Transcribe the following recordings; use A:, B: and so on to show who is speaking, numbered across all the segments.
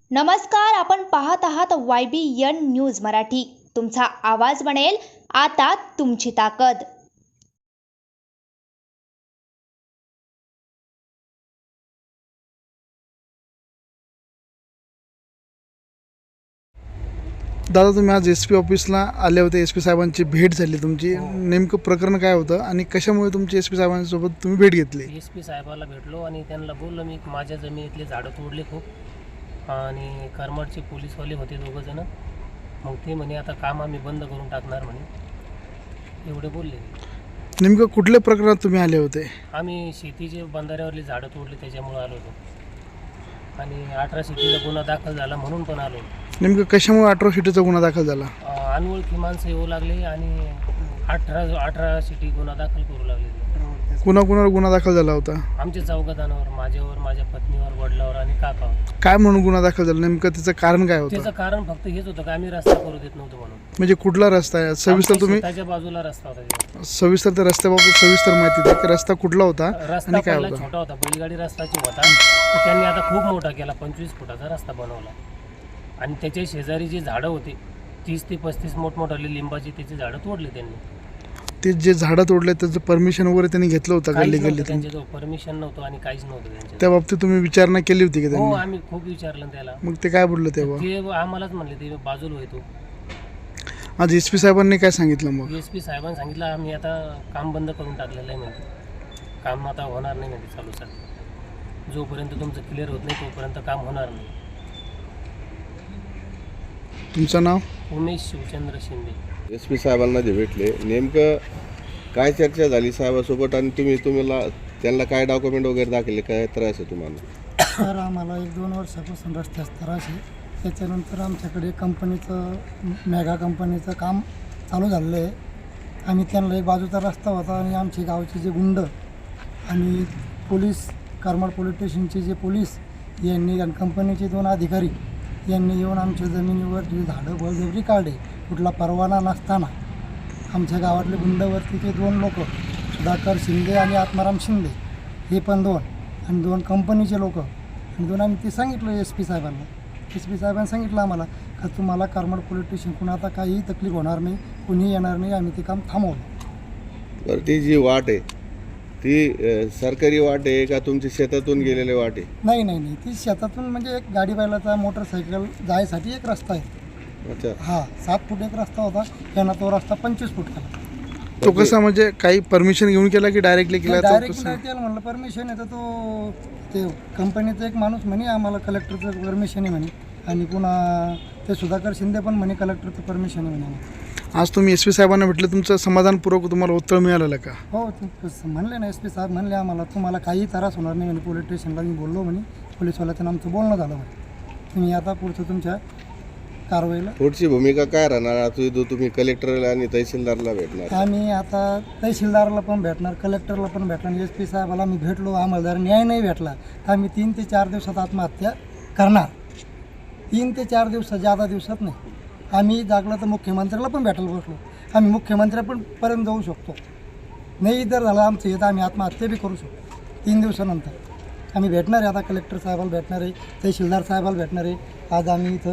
A: नमस्कार, आपण पाहत आहात YBN न्यूज मराठी. तुमचा आवाज बनेल आता तुमची ताकद.
B: दादा, तुम्ही आज SP ऑफिसला आले होते. SP साहेबांची भेट झाली तुमची. नेमकं प्रकरण काय होतं आणि कशामुळे तुमची SP साहेबांसोबत तुम्ही भेट घेतली?
C: SP साहेबाला भेटलो आणि त्यांना बोललो मी माझ्या जमिनीतले झाडं तोडले खूप आणि करमाडचे पोलीसवाले होते दोघंजणं. मग ते म्हणे आता काम आम्ही बंद करून टाकणार म्हणे, एवढे बोलले.
B: नेमकं कुठल्या प्रकरणात तुम्ही आले होते?
C: आम्ही शेतीचे बंधाऱ्यावरली झाडं तोडले त्याच्यामुळे आलो होतो आणि 18 सिटीचा गुन्हा दाखल झाला म्हणून पण आलो.
B: नेमकं कशामुळे 18 सिटीचा गुन्हा दाखल झाला?
C: अनोळखी माणसं येऊ लागले आणि 18 सिटी गुन्हा दाखल करू लागले.
B: कुणाकुणावर गुन्हा दाखल झाला होता?
C: आमच्या चौघाजणांवर, माझ्यावर, माझ्या पत्नीवर, वडिलावर आणि काकावर.
B: काय म्हणून गुन्हा दाखल झाला? नेमकं त्याचं कारण काय होतं?
C: त्याचं कारण फक्त हेच होतं की आम्ही रस्ता करू देत नव्हतो म्हणून.
B: म्हणजे कुठला रस्ता आहे? सविस्तर तुम्ही
C: त्याच्या बाजूला रस्ता होता.
B: सविस्तर त्या रस्त्याबाबत सविस्तर माहिती द्या की रस्ता कुठला होता
C: रस्ता
B: आणि काय
C: पहिला
B: होता?
C: छोटा होता, बैलगाडी रस्ताची होता. तर त्यांनी आता खूप मोठा केला, 25 फुटाचा रस्ता बनवला आणि त्याच्या शेजारी जी झाडं होती 30 ते 35 मोठमोठाली लिंबाची त्याची झाडं तोडली त्यांनी.
B: ते जे झाडं तोडले त्याचं परमिशन वगैरे त्यांनी घेतलं होतं? गल्ली गल्ली
C: त्यांच्याजवळ परमिशन नव्हतं आणि काहीच नव्हतं त्यांच्या.
B: त्या बाबतीत तुम्ही विचारणा केली होती की
C: हो,
B: त्यांनी?
C: आम्ही खूप विचारलं त्याला.
B: मग ते काय बोललं तेव्हा?
C: ते आम्हालाच म्हणले ते बाजूला होतो.
B: आज SP साहेबांनी काय सांगितलं मग?
C: SP साहेबांनी सांगितलं आम्ही आता काम बंद करून टाकलेलं आहे म्हणते, काम आता होणार नाही म्हणते चालू सर. जोपर्यंत तुमचं क्लिअर होत नाही तोपर्यंत काम होणार नाही.
B: तुमचं नाव?
C: उमेश शिवचंद्र शिंदे.
D: SP साहेबांना जे भेटले, नेमकं काय चर्चा झाली साहेबासोबत आणि तुम्हाला त्यांना काय डॉक्युमेंट वगैरे दाखवले, काय त्रास आहे तुम्हाला?
E: तर आम्हाला 1-2 वर्षापासून रस्त्याचा त्रास आहे. त्याच्यानंतर आमच्याकडे कंपनीचं मेगा कंपनीचं काम चालू झालेलं आहे. आम्ही त्यांना एक बाजूचा रस्ता होता आणि आमचे गावचे जे गुंड आणि पोलीस, करमाड पोलीस स्टेशनचे जे पोलीस यांनी आणि कंपनीचे 2 अधिकारी यांनी येऊन आमच्या जमिनीवर जे झाडं बळजबरी काढले, कुठला परवाना नसताना. आमच्या गावातले गुंडवरतीचे 2 लोक, सुधाकर शिंदे आणि आत्माराम शिंदे, हे पण 2 आणि 2 कंपनीचे लोक आणि 2 आम्ही ते सांगितलं SP साहेबांना. SP साहेबांनी सांगितलं आम्हाला का तुम्हाला करमाड पोलीस स्टेशनकडून आता काहीही तकलीफ होणार नाही, कोणी येणार नाही. आम्ही ते काम थांबवलं.
D: तर ती जी वाट आहे ती सरकारी वाट आहे का तुमची शेतातून गेलेले वाट आहे?
E: नाही, ती शेतातून म्हणजे एक गाडी बैलाचा मोटरसायकल जायसाठी एक रस्ता आहे.
D: अच्छा.
E: हा 7 फूट एक रस्ता होता, त्यांना तो रस्ता 25 फूट केला.
B: तो कसा म्हणजे काही परमिशन घेऊन केला की डायरेक्टली केला?
E: डायरेक्ट नाही केलं म्हणलं परमिशन आहे तर तो ते कंपनीचा एक माणूस म्हणे आम्हाला कलेक्टरचं परमिशन आहे म्हणे आणि पुन्हा ते सुधाकर शिंदे पण म्हणे कलेक्टरचं परमिशन आहे म्हणे.
B: आज तुम्ही SP साहेबांना भेटलं, तुमचं समाधानपूर्वक तुम्हाला उत्तर मिळालं का?
E: हो, म्हणले ना SP साहेब म्हणले आम्हाला तुम्हाला काही त्रास होणार नाही म्हणे. पोलीस स्टेशनला मी बोललो म्हणे, पोलीसवाल्याचं आमचं बोलणं झालं म्हणे. तुम्ही आता पुढचं तुमच्या कारवाईला.
D: पुढची भूमिका काय राहणार? आता तुम्ही कलेक्टरला आणि तहसीलदारला भेटणार?
E: आम्ही आता तहसीलदारला पण भेटणार, कलेक्टरला पण भेटणार. SP साहेबाला आम्ही भेटलो, आम्हाला जर न्याय नाही भेटला तर आम्ही 3 ते 4 दिवसात आत्महत्या करणार. 3 ते 4 दिवसात, जादा दिवसात नाही. आम्ही जागलं तर मुख्यमंत्र्याला पण भेटायला बसलो. आम्ही मुख्यमंत्र्यापर्यंत जाऊ शकतो. नाही जर झालं आमचं हे तर आम्ही आत्महत्या बी करू शकतो. 3 दिवसानंतर आम्ही भेटणार आहे. आता कलेक्टर साहेबाला भेटणार आहे, तहसीलदार साहेबाला भेटणार आहे. आज आम्ही इथं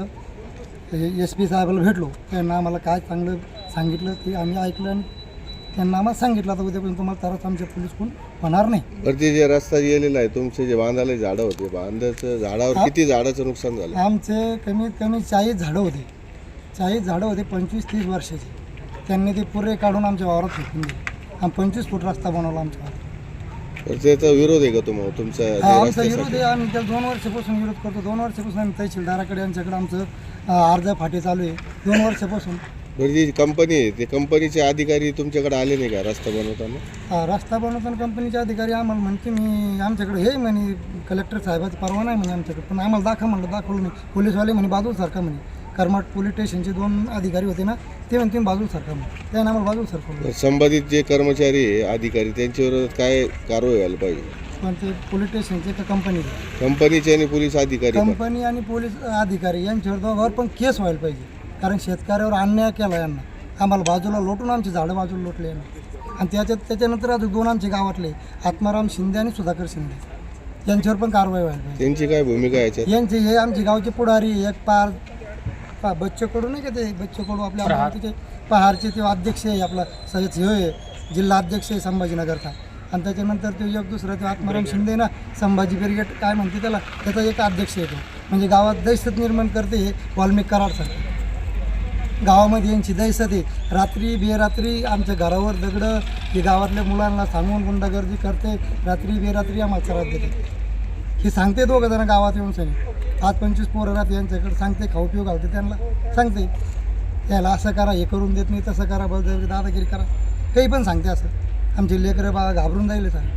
E: SP साहेबाला भेटलो, त्यांना आम्हाला काय चांगलं सांगितलं ते आम्ही ऐकलं आणि त्यांना आम्हाला सांगितलं आता उद्यापर्यंत तुम्हाला त्रास आमच्या पोलीसकडून होणार नाही.
D: बरं, ते जे रस्ता गेलेला आहे तुमचे जे बांधायला झाडं होते, बांधाचं झाडावर किती झाडाचं नुकसान झालं?
E: आमचे कमीत कमी 40 झाडं होते. 40 झाडं होते 25-30 वर्षाचे. त्यांनी ते पुरे काढून आमच्या वावरात फेकून दिले आणि 25 फूट रस्ता बनवला आमच्या वावरात.
D: तर त्याचा विरोध आहे का तुम्हाला तुमचा?
E: आमचा विरोध आहे. आम्ही त्याला 2 वर्षापासून विरोध करतो. 2 वर्षापासून आम्ही तहसीलदाराकडे आमच्याकडे आमचं अर्ज फाटे चालू आहे 2 वर्षापासून.
D: बरं, जी कंपनी आहे ते कंपनीचे अधिकारी तुमच्याकडे आले नाही का रस्ता बनवताना?
E: रस्ता बनवताना कंपनीचे अधिकारी आम्हाला म्हणते मी आमच्याकडे हे म्हणे कलेक्टर साहेबाचा परवाना आहे म्हणे आमच्याकडे, पण आम्हाला दाखवलं नाही. पोलीसवाले म्हणे बाजूला सारखा म्हणे. करमाड पोलीस स्टेशनचे 2 अधिकारी होते ना, ते म्हणते बाजूला सारखा म्हणे. त्याने आम्हाला बाजूला सरकवलं.
D: संबंधित जे कर्मचारी आहे अधिकारी त्यांच्यावर काय कारवाई व्हायला पाहिजे?
E: पण ते पोलीस स्टेशनचे का
D: कंपनीचे आणि पोलीस अधिकारी
E: कंपनी आणि पोलीस अधिकारी यांच्यावर दोघांवर पण केस व्हायला पाहिजे. कारण शेतकऱ्यावर अन्याय केला यांना. आम्हाला बाजूला लोटून आमची झाडं बाजूला लोटले यांना. आणि त्याच्यानंतर अजून 2 आमचे गावातले आत्माराम शिंदे आणि सुधाकर शिंदे यांच्यावर पण कारवाई व्हायला पाहिजे.
D: त्यांची काय भूमिका आहे याच्यात?
E: यांचे हे आमचे गावचे पुढारी एक बच्चे कडू नाही का ते बच्चे कडू आपल्या अमरावतीचे पहारचे ते अध्यक्ष आहे आपला सय्यद हे आहे जिल्हा अध्यक्ष आहे संभाजीनगरचा. आणि त्याच्यानंतर तो एक दुसरा ते आत्माराम शिंदे ना संभाजी ब्रिगेड काय म्हणते त्याचा एक अध्यक्ष आहे तो. म्हणजे गावात दहशत निर्माण करते हे वाल्मिक कराडसारखे. गावामध्ये यांची दहशत आहे. रात्री बेरात्री आमच्या घरावर दगडं हे गावातल्या मुलांना सांगून गुंडागर्दी करते. रात्री बेरात्री आम्हाला त्रास देते. हे सांगते दोघं जण गावात येऊन सनी आज 25 पोरं राहते यांच्याकडे सांगते खाऊ पिऊ घालते त्यांना सांगते याला असं करा हे करून देत नाही तसं करा बळजबरी दादागिरी करा काही पण सांगते असं. आमचे लेकरं बाळा घाबरून जाईल सर.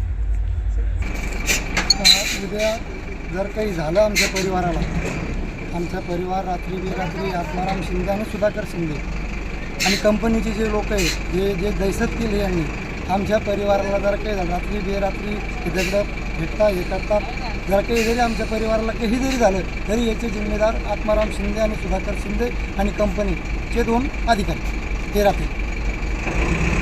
E: उद्या जर काही झालं आमच्या परिवाराला आमचा परिवार रात्री बेरात्री आत्माराम शिंदे आणि सुधाकर शिंदे आणि कंपनीचे जे लोक आहेत जे दहशत केली यांनी आमच्या परिवाराला जर काही झालं रात्री बेरात्री हे दगडं भेटतात हे करतात जर काही जरी आमच्या परिवाराला काही जरी झालं तरी याचे जिम्मेदार आत्माराम शिंदे आणि सुधाकर शिंदे आणि कंपनीचे 2 अधिकारी ते राहतील.